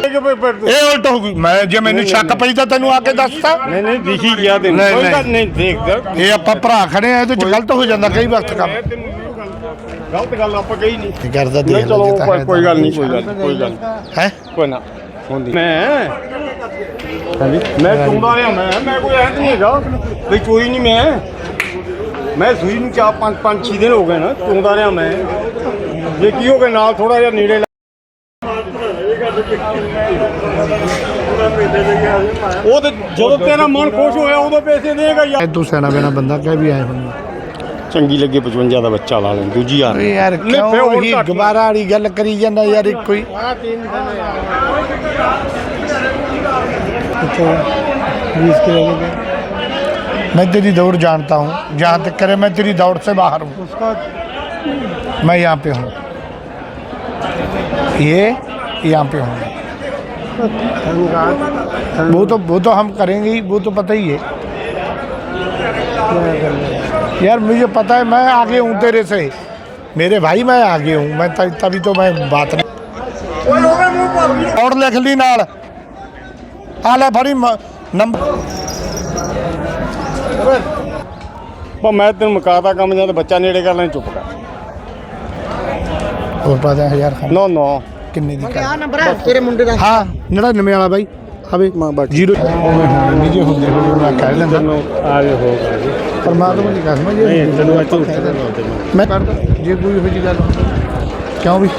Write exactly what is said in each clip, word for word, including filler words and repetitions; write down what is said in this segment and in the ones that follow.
ਇਹ ਉਲਟ ਹੋ ਗਈ। ਮੈਂ ਜੇ ਮੈਨੂੰ ਸ਼ੱਕ ਪਈ ਤਾਂ ਤੈਨੂੰ ਆ ਕੇ ਦੱਸਤਾ। ਨਹੀਂ ਨਹੀਂ ਦਿਖੀ ਗਿਆ ਤੈਨੂੰ, ਕੋਈ ਗੱਲ ਨਹੀਂ ਦੇਖ। ਇਹ ਆਪਾਂ ਭਰਾ ਖੜੇ ਆ, ਇਹਦੇ ਚ ਗਲਤ ਹੋ ਜਾਂਦਾ ਕਈ ਵਕਤ ਕੰਮ। ਗਲਤ ਗੱਲ ਆਪਾਂ ਕਹੀ ਨਹੀਂ ਕਰਦਾ ਦੇਖ ਚਲੋ ਕੋਈ ਗੱਲ ਨਹੀਂ, ਕੋਈ ਗੱਲ ਕੋਈ ਗੱਲ ਹੈ ਕੋਈ ਨਾ ਹੁੰਦੀ। ਮੈਂ ਮੈਂ ਚੁੰਦਾ ਰਿਹਾ, ਮੈਂ ਮੈਂ ਕੋਈ ਐਂ ਨਹੀਂ ਹੈਗਾ ਵੀ ਚੋਰੀ ਨਹੀਂ। ਮੈਂ ਮੈਂ ਸੂਈ ਨੂੰ ਚਾਰ ਪੰਜ ਪੰਜ ਛੇ ਦਿਨ ਹੋ ਗਏ ਨਾ ਚੁੰਦਾ ਰਿਹਾ ਮੈਂ। ਜੇ ਕੀ ਹੋ ਗਿਆ ਨਾਲ ਥੋੜਾ ਜਿਹਾ ਨੇੜੇ ਉਹ ਤੇ ਜਦੋਂ ਤੇਰਾ ਮਨ ਖੁਸ਼ ਹੋਇਆ ਉਦੋਂ ਪੈਸੇ ਦੇਗਾ ਯਾਰ। ਤੂੰ ਸਿਆਣਾ ਬਿਨਾ ਬੰਦਾ ਕਹਿ ਵੀ ਆਏ ਹੁਣ ਚੰਗੀ ਲੱਗੇ ਪਚਵੰਜਾ ਦਾ ਬੱਚਾ ਲਾ ਲੈ ਦੂਜੀ ਯਾਰ ਯਾਰ ਕਿਉਂ ਹੀ ਗਵਾਰਾ ਵਾਲੀ ਗੱਲ ਕਰੀ ਜਾਂਦਾ ਯਾਰ। ਇੱਕੋ ਹੀ मैं तेरी दौड़ जानता हूँ, जहाँ तक करे मैं तेरी दौड़ से बाहर हूँ। मैं यहाँ पे हूँ, ये यहाँ पे हूँ। वो तो वो तो हम करेंगे ही, वो तो पता ही है यार। मुझे पता है मैं आगे हूँ तेरे से, मेरे भाई मैं आगे हूँ। मैं तभी तो मैं बात नहीं और लिख ली नाल आ ले फड़ी नंबर। मैं तेन मुकाता काम जब बच्चा नेड़े कर लें चुप कर और पता है यार नौ नौ किन्ने दी क्या नंबर है तेरे मुंडे दा? हाँ नड़िनवे वाला भाई आवे जीरो निजे ਹੁੰਦੇ ਹੋਏ ਮੈਂ ਕਹਿ ਲੈਂਦਾ आगे होगा परमात्मा ਦੀ ਕਸਮ ਹੈ। नहीं तेन मैं झूठ ਮੈਂ ਕਰਦਾ ਜੇ ਕੋਈ ਇਹੋ ਜਿਹੀ ਗੱਲ ਕਿਉਂ ਵੀ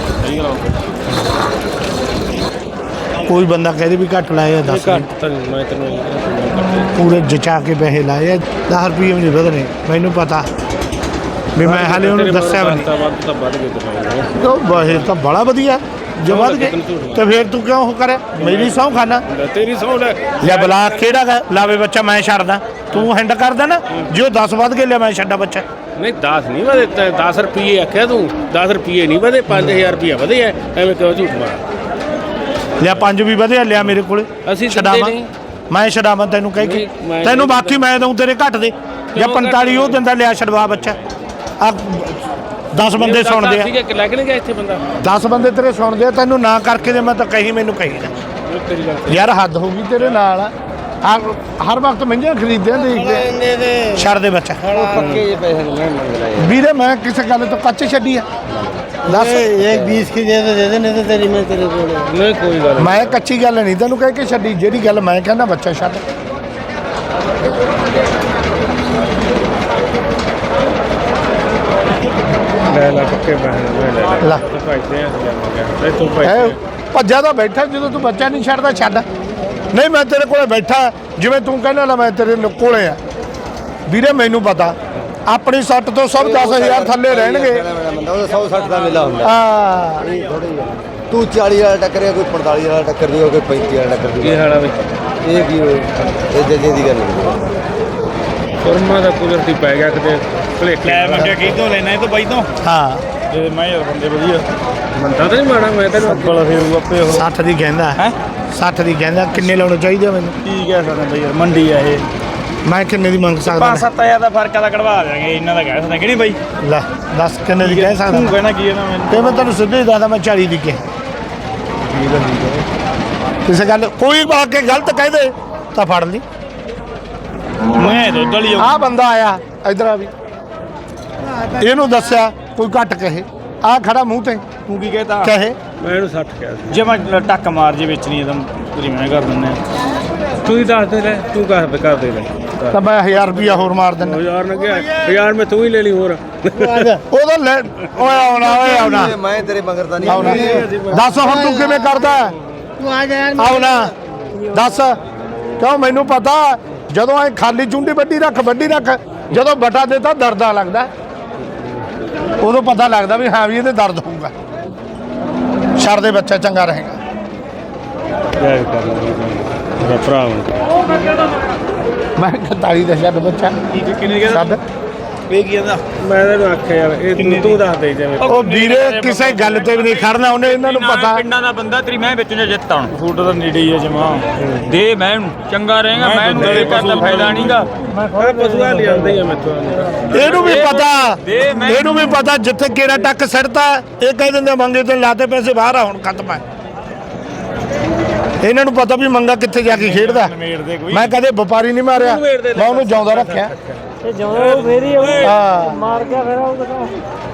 ਕੋਈ ਬੰਦਾ ਕਹਦੇ ਵੀ ਘੱਟ ਲਾਇਆ ਦਸ घट तो मैं तेन ਪੂਰੇ ਜਚਾ ਕੇ ਪੈਸੇ ਲਾਏ ਦਸ ਰੁਪਏ ਨਹੀਂ ਵਧਣੇ ਮੈਨੂੰ ਪਤਾ ਵੀ ਮੈਂ ਹਾਲੇ ਉਹਨੂੰ ਦੱਸਿਆ ਵੀ ਨਹੀਂ। ਤਾਂ ਵੱਧ ਗਏ ਉਹ ਬਹੇ ਤਾਂ ਬੜਾ ਵਧੀਆ ਜੇ ਵੱਧ ਗਏ ਤੇ ਫਿਰ ਤੂੰ ਕਿਉਂ ਉਹ ਕਰੇ ਮੇਰੀ ਸਹੁੰ ਖਾਨਾ तेरी सौ ले ਲੈ ਬਲਾ ਕਿਹੜਾ ਲਾਵੇ ਬੱਚਾ ਮੈਂ ਛੱਡਦਾ ਤੂੰ ਹੈਂਡ ਕਰਦਾ ਨਾ ਜੋ ਦਸ ਵੱਧ ਕੇ ਲਿਆ ਮੈਂ ਛੱਡਾ ਬੱਚਾ। नहीं दस नहीं बधे दस रुपये आख्या तू दस रुपये नहीं बधे पाँच हज़ार रुपया बधे है एवं क्यों झूठ मार ਲਿਆ ਪੰਜ ਵੀ ਵਧਿਆ ਲਿਆ ਮੇਰੇ ਕੋਲੇ ਅਸੀਂ ਛਡਾਵਾਂ ਮੈਂ ਛਡਾਵਾਂ ਤੈਨੂੰ ਕਹਿ ਕੇ ਤੈਨੂੰ ਬਾਕੀ ਮੈਂ ਦਊਂ ਤੇਰੇ ਘੱਟ ਦੇ ਜਾਂ ਪੰਤਾਲੀ ਉਹ ਦਿੰਦਾ ਲਿਆ ਛਡਵਾ ਬੱਚਾ। ਆ ਦਸ ਬੰਦੇ ਸੁਣਦੇ ਆ ਲੱਗਣਗੇ ਇੱਥੇ ਬੰਦਾ ਦਸ ਬੰਦੇ ਤੇਰੇ ਸੁਣਦੇ ਆ ਤੈਨੂੰ ਨਾ ਕਰਕੇ ਦੇ ਮੈਂ ਤਾਂ ਕਹੀ ਮੈਨੂੰ ਕਹੀ ਨਾ ਯਾਰ ਹੱਦ ਹੋ ਗਈ ਤੇਰੇ ਨਾਲ। ਆ ਹਰ ਵਕਤ ਮਹਿੰਗੀਆਂ ਖਰੀਦਦੇ ਦੇਖ ਕੇ ਛੱਡ ਦੇ ਬੱਚਾ। पक्के ये पैसे नहीं मंग रहा है ਵੀਰੇ ਮੈਂ ਕਿਸੇ ਗੱਲ ਤੋਂ ਕੱਚ ਛੱਡੀ ਆ ਦੱਸ। एक बीस की दे दे दे दे नहीं तो तेरी मैं तेरे को नहीं कोई गल ਮੈਂ ਕੱਚੀ ਗੱਲ ਨਹੀਂ ਤੈਨੂੰ ਕਹਿ ਕੇ ਛੱਡੀ ਜਿਹੜੀ ਗੱਲ ਮੈਂ ਕਹਿੰਦਾ ਬੱਚਾ ਛੱਡ। ਲੈ ਲੈ ਪੱਕੇ ਪੈਸੇ ਲੈ ਲੈ ਲੈ ਪੈਸੇ ਆ ਜਾਵਾਂਗੇ ਤੂੰ ਹੈ ਭੱਜਾ ਤਾਂ ਬੈਠਾ ਜਦੋਂ ਤੂੰ ਬੱਚਾ ਨਹੀਂ ਛੱਡਦਾ ਛੱਡ। ਨਹੀਂ ਮੈਂ ਤੇਰੇ ਕੋਲੇ ਬੈਠਾ ਜਿਵੇਂ ਤੂੰ ਕਹਿੰਦਾ ਨਾ ਮੈਂ ਤੇਰੇ ਕੋਲੇ ਆ ਵੀਰੇ ਮੈਨੂੰ ਪਤਾ ਆਪਣੀ ਸੱਟ ਤੋਂ ਸਭ ਦਸ ਹਜ਼ਾਰ ਥੱਲੇ ਰਹਿਣਗੇ। सौ साठ का मिला होंगे ਹਾਂ तू चालीस वाला टक्कर कोई पैंतालीस वाला टक्कर दी कोई पैंतीस वाला टक्कर ਕੀ ਹਾਲ ਆ ਬਈ ये की ये जजे दी गल ਕੁਰਮਾ ਦਾ ਕੁਦਰਤੀ ਪੈ ਗਿਆ ਕਿਤੇ ਭਲੇਖੇ ਲੈ ਮੰਗਿਆ ਕੀ ਤੋਂ ਲੈਣਾ ਇਹ ਤੋਂ ਬਾਈ ਤੋਂ ਹਾਂ ਜੇ ਮੈਂ ਯਾਰ ਬੰਦੇ ਵਧੀਆ ਬੰਦਾ ਤਾਂ ਨਹੀਂ ਮਾੜਾ ਮੈਂ ਤੈਨੂੰ ਅੱਬਲ ਫੇਰ ਆਪੇ ਉਹ ਸੱਠ ਦੀ ਕਹਿੰਦਾ ਹੈ ਸੱਠ ਦੀ ਕਹਿੰਦਾ ਕਿੰਨੇ ਲਾਉਣੇ ਚਾਹੀਦੇ ਮੈਨੂੰ ਕੀ ਕਹਿ ਸਕਦਾ ਬਈ ਯਾਰ ਮੰਡੀ ਆ ਇਹ ਮੈਂ ਕਿੰਨੇ ਦੀ ਮੰਗ ਸਕਦਾ ਪੰਜ ਸੱਤ ਹਜ਼ਾਰ ਦਾ ਫਰਕ ਆਦਾ ਕਢਵਾ ਦਿਆਂਗੇ ਇਹਨਾਂ ਦਾ ਕਹਿ ਸਕਦਾ ਕਿ ਨਹੀਂ ਬਾਈ ਲੈ ਦੱਸ ਕਿੰਨੇ ਦੀ ਕਹਿ ਤੂੰ ਸਕਦਾ ਕਹਿਣਾ ਕੀ ਹੈ ਨਾ ਮੈਨੂੰ ਤੇ ਮੈਂ ਤੈਨੂੰ ਸਿੱਧੇ ਹੀ ਦੱਸਦਾ ਮੈਂ ਚਾਲੀ ਦੀ ਕਿਹਾ। ਕਿਸੇ ਗੱਲ ਕੋਈ ਆ ਕੇ ਗਲਤ ਕਹਿ ਦੇ ਤਾਂ ਫੜ ਲਈ। ਮੈਂ ਦੁੱਧ ਵਾਲੀ ਆ ਬੰਦਾ ਆਇਆ ਇਧਰ ਆ ਵੀ ਇਹਨੂੰ ਦੱਸਿਆ ਕੋਈ ਘੱਟ ਕਹੇ ਆ ਖੜਾ ਮੂੰਹ ਤੇ ਤੂੰ ਕੀ ਕਹਿਤਾ ਕਹੇ ਮੈਂ ਇਹਨੂੰ ਸੱਠ ਕਿਹਾ ਸੀ ਜੇ ਮੈਂ ਟੱਕ ਮਾਰ ਜੇ ਵੇਚਣੀ ਹੈ ਤਾਂ ਪੂਰੀ ਮੈਂ ਕਰ ਦਿੰਦਾ ਤੂੰ ਹੀ ਦੱਸ ਦੇ ਲੈ ਤੂੰ ਕਰ ਦੇ ਕਰ ਦੇ ਲੈ ਤਾਂ ਮੈਂ ਹਜ਼ਾਰ ਰੁਪਿਆ ਹੋਰ ਮਾਰ ਦਿੰਦਾ। ਹਜ਼ਾਰ ਨਾ ਗਿਆ ਹਜ਼ਾਰ ਮੈਂ ਤੂੰ ਹੀ ਲੈ ਲਈ ਹੋਰ ਉਹਦਾ ਲੈ ਓਏ ਆਉਣਾ ਓਏ ਆਉਣਾ मैं तेरे मंगरता नहीं ਆਉਣਾ ਦੱਸ ਹੁਣ ਤੂੰ ਕਿਵੇਂ ਕਰਦਾ तू आ जा यार ਆਉਣਾ ਦੱਸ ਕਿਉਂ ਮੈਨੂੰ ਪਤਾ ਜਦੋਂ ਐ ਖਾਲੀ ਚੁੰਡੀ ਵੱਡੀ ਰੱਖ ਵੱਡੀ ਰੱਖ ਜਦੋਂ ਬਟਾ ਦੇਤਾ ਦਰਦਾਂ ਲੱਗਦਾ ਉਦੋਂ ਪਤਾ ਲੱਗਦਾ ਵੀ ਹਾਂ ਵੀ ਇਹਦੇ ਦਰਦ ਹੋਊਗਾ। ਛੱਡ ਦੇ ਬੱਚਾ ਚੰਗਾ ਰਹੇਗਾ। ਮੇਰਾ ਭਰਾ ਮੈਂ ਇਕਤਾਲੀ ਦਾ ਛੱਡ ਬੱਚਾ ਕਿੰਨੇ ਛੱਡ ਇਹ ਕੀ ਕਹਿੰਦਾ ਮੈਂ ਤੈਨੂੰ ਆਖਿਆ ਯਾਰ ਇਹ ਤੂੰ ਤੂੰ ਦੱਸ ਦੇ ਜਿਵੇਂ ਉਹ ਵੀਰੇ ਕਿਸੇ ਗੱਲ ਤੇ ਵੀ ਨਹੀਂ ਖੜਨਾ ਉਹਨੇ ਇਹਨਾਂ ਨੂੰ ਪਤਾ ਪਿੰਡਾਂ ਦਾ ਬੰਦਾ ਤੇਰੀ ਮੈਂ ਵਿੱਚ ਨੇ ਜਿੱਤ ਆਉਣ ਫੂਟ ਦਾ ਨੇੜੇ ਹੀ ਆ ਜਮਾ ਦੇ ਮੈਂ ਨੂੰ ਚੰਗਾ ਰਹੇਗਾ ਮੈਂ ਨੂੰ ਦੇ ਕਰਦਾ ਫਾਇਦਾ ਨਹੀਂਗਾ ਮੈਂ ਪਸ਼ੂਆ ਲਿਆਉਂਦਾ ਹੀ ਆ ਮੈਥੋਂ ਇਹਨੂੰ ਵੀ ਪਤਾ ਇਹਨੂੰ ਵੀ ਪਤਾ ਜਿੱਥੇ ਕਿਹੜਾ ਟੱਕ ਸਿਰਦਾ ਇਹ ਕਹਿ ਦਿੰਦੇ ਮੰਗੇ ਤੇ ਲਾਤੇ ਪੈਸੇ ਬਾਹਰ ਆ ਹੁਣ ਖਤਮ ਹੈ। ਇਹਨਾਂ ਨੂੰ ਪਤਾ ਵੀ ਮੰਗਾ ਕਿੱਥੇ ਜਾ ਕੇ ਖੇਡਦਾ। ਮੈਂ ਕਦੇ ਵਪਾਰੀ ਨਹੀਂ ਮਾਰਿਆ, ਮੈਂ ਉਹਨੂੰ ਜਿਉਂਦਾ ਰੱਖਿਆ। ਇਹ ਜਦੋਂ ਮੇਰੀ ਹਾਂ ਮਾਰ ਗਿਆ ਫਿਰ ਉਹ ਕਿਥੋਂ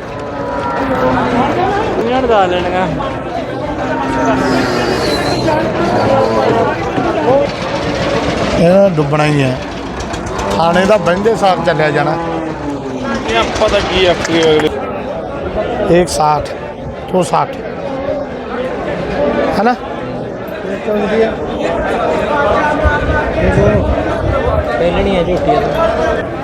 ਇਹਨਾਂ ਨੂੰ ਦੱਸ ਲੈਣਗਾ। ਇਹਨਾਂ ਨੂੰ ਡੁੱਬਣਾ ਹੀ ਹੈ। ਥਾਣੇ ਦਾ ਬਹਿੰਦੇ ਸਾਥ ਚੱਲਿਆ ਜਾਣਾ। ਪਤਾ ਕੀ ਆਪਕੇ ਅਗਲੇ एक साठ दो साठ है ना। ਪਹਿਲਣੀ ਹੈ ਝੋਟੀ